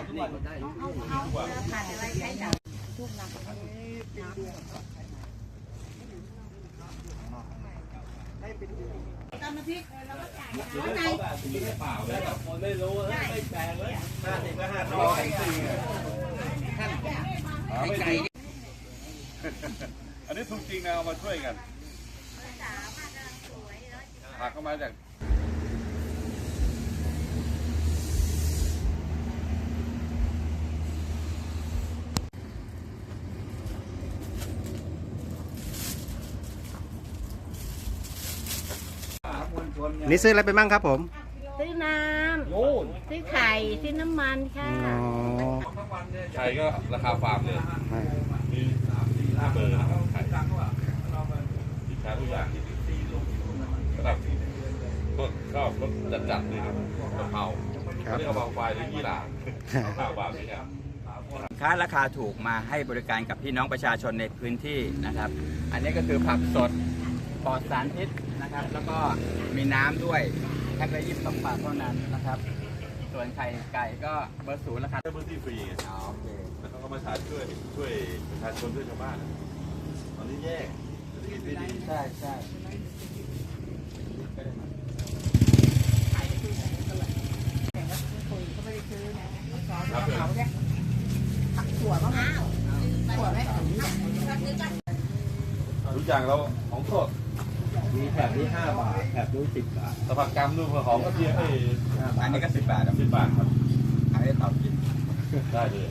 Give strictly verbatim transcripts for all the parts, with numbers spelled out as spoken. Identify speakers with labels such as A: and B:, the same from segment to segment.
A: นี่ก็ได้เอาเอาผ่านอะไรใช้ดาวทุกน้ำตามน้ำพริกเราก็จ่ายร้อยในเปล่าเลยคนไม่รู้ไม่แพงเลยห้าสิบก็ห้าร้อย
B: อันนี้ถูกจริงนะเอามาช่วยกันผักเข้ามาจาก
C: นี่ซื้ออะไรไปบ้างครับผม
A: ซื้อน้ำซื้อไข่ซื้อน้ำมันค่ะ
B: ไข่ก็ราคาฟาร์มเลยมีห้าเบอร์นะครับไข่สินค้าทุกอย่างระดับก็ก็รสจัดๆเลยครับกะเพราอันนี้กะเพราควายหรือยี่หร่าข้าวบาทนี่ครับ
D: สินค้าราคาถูกมาให้บริการกับพี่น้องประชาชนในพื้นที่นะครับ อันนี้ก็คือผักสดปลอดสารพิษนะครับแล้วก็มีน้ำด้วยแพ็คละยี่สิบสองบาทเท่านั้นนะครับส่วนไข่ไก่ก็เบอร์ศูนย์ราคา
B: พื้นที่ฟรีไง
D: อ๋อโอเค
B: แล้วเขาก็มาช่วยช่วยช่วยประชาชนช่วยชาวบ้านตอนนี้แย่
D: ใช่ใช่
A: ถั่วมะพร้าวถั่วไหม
B: ทุกอย่างเราของสด
C: มีแถบที่ห้าบาทแถบนู้นสิบบาท
B: สภากรรมดูหอมก็เทียบให้
D: อันนี้ก็สิบบาท
B: สิบบาทครับ
D: อันนี้ตอบกิน
B: ได้เลย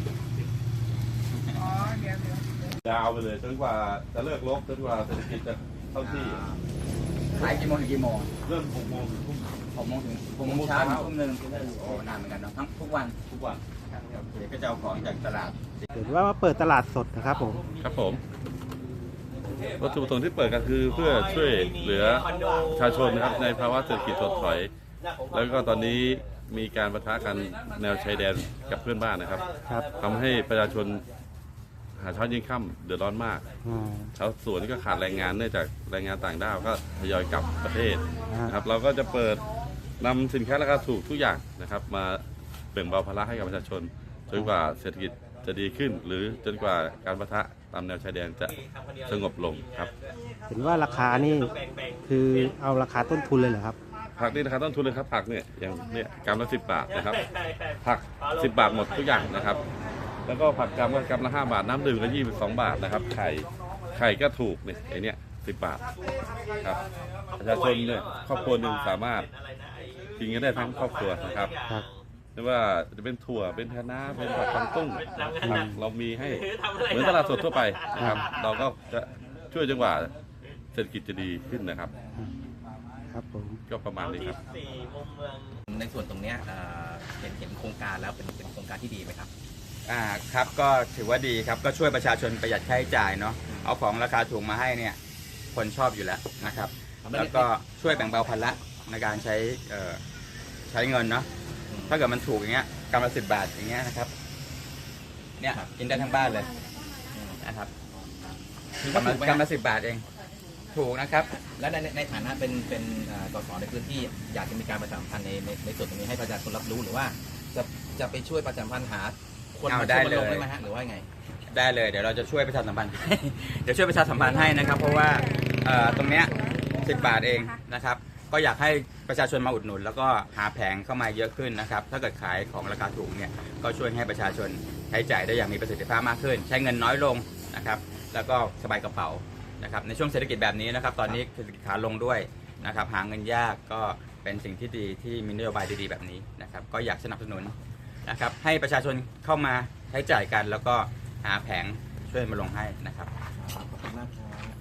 B: ยาวไปเลยจนกว่าจะเลิกลบจนกว่าเศรษฐกิจจะเข้าที่
D: ขายกี่โมงถึงกี่โมง
B: เริ่มหกโมงถึงทุ่ม
D: หกโมงถึงหกโมงเช้าถึงทุ่มหนึ่งโอ้นานเหมือนกันเนาะทั้งทุกวัน
B: ทุกวัน
D: โอเคก็จะเอาของจากตลาด
C: เห็นว่ามาเปิดตลาดสดนะครับผม
B: ครับผมวัตถุประสงค์ที่เปิดก็คือเพื่อช่วยเหลือประชาชนนะครับในภาวะเศรษฐกิจถดถอยแล้วก็ตอนนี้มีการปะทะกันแนวชายแดนกับเพื่อนบ้านนะครับทำให้ประชาชนหาเช้ายิ่งค่ำเดือดร้อนมากชาวสวนก็ขาดแรงงานเนื่องจากแรงงานต่างด้าวก็ทยอยกลับประเทศนะครับเราก็จะเปิดนำสินค้าราคาถูกทุกอย่างนะครับมาแบ่งเบาภาระให้กับประชาชนจนกว่าเศรษฐกิจจะดีขึ้นหรือจนกว่าการปะทะตามแนวชายแดนจะสงบลงครับ
C: เห็นว่าราคานี่คือเอาราคาต้นทุนเลยเหรอครับ
B: ผักนี่ราคาต้นทุนเลยครับผักเนี่ยอย่างเนี่ยกรัมละสิบบาทนะครับผักสิบบาทหมดทุกอย่างนะครับแล้วก็ผักกรัมก็กรัมละห้าบาทน้ำดื่มก็ยี่สิบสองบาทนะครับไข่ไข่ก็ถูกเนี่ยไอเนี้ยสิบบาทครับประชาชนเนี่ยครอบครัวหนึ่งสามารถกินกันได้ทั้งครอบครัวนะครับไม่ว่าจะเป็นถั่วเป็นคะน้าเป็นผักกวางตุ้งเรามีให้เหมือนตลาดสดทั่วไปนะครับเราก็จะช่วยจนกว่าเศรษฐกิจจะดีขึ้นนะครับ
C: ครับผม
B: ก็ประมาณนี้ครับ
E: ในส่วนตรงนี้เห็นเห็นโครงการแล้วเป็นเป็นโครงการที่ดีไหมครับ
D: อ่าครับก็ถือว่าดีครับก็ช่วยประชาชนประหยัดค่าใช้จ่ายเนาะเอาของราคาถูกมาให้เนี่ยคนชอบอยู่แล้วนะครับแล้วก็ช่วยแบ่งเบาภาระในการใช้ใช้เงินเนาะถ้าเกิดมันถูกอย่างเงี้ยกรัมละสิบบาทอย่างเงี้ยนะครับเนี่ยกินได้ทั้งบ้านเลยนะครับกรัมละกรัมละสิบบาทเองถูกนะครับ
E: และในในฐานะเป็นเป็นสสในพื้นที่อยากจะมีการประชาสัมพันธ์ในในในส่วนตรงนี้ให้ประชาชนรับรู้หรือว่าจะจะไปช่วยประชาสัมพันธ์หาคนมาช่วยลงได้ไหมฮะหรือว่าไง
D: ได้เลยเดี๋ยวเราจะช่วยประชาสัมพันธ์เดี๋ยวช่วยประชาสัมพันธ์ให้นะครับเพราะว่าตรงเนี้ยสิบบาทเองนะครับก็อยากให้ประชาชนมาอุดหนุนแล้วก็หาแผงเข้ามาเยอะขึ้นนะครับถ้าเกิดขายของราคาถูกเนี่ยก็ช่วยให้ประชาชนใช้จ่ายได้อย่างมีประสิทธิภาพมากขึ้นใช้เงินน้อยลงนะครับแล้วก็สบายกระเป๋านะครับในช่วงเศรษฐกิจแบบนี้นะครับตอนนี้เศรษฐกิจขาลงด้วยนะครับหาเงินยากก็เป็นสิ่งที่ดีที่มีนโยบายดีๆแบบนี้นะครับก็อยากสนับสนุนนะครับให้ประชาชนเข้ามาใช้จ่ายกันแล้วก็หาแผงช่วยมาลงให้นะครับขอบคุณมากครับ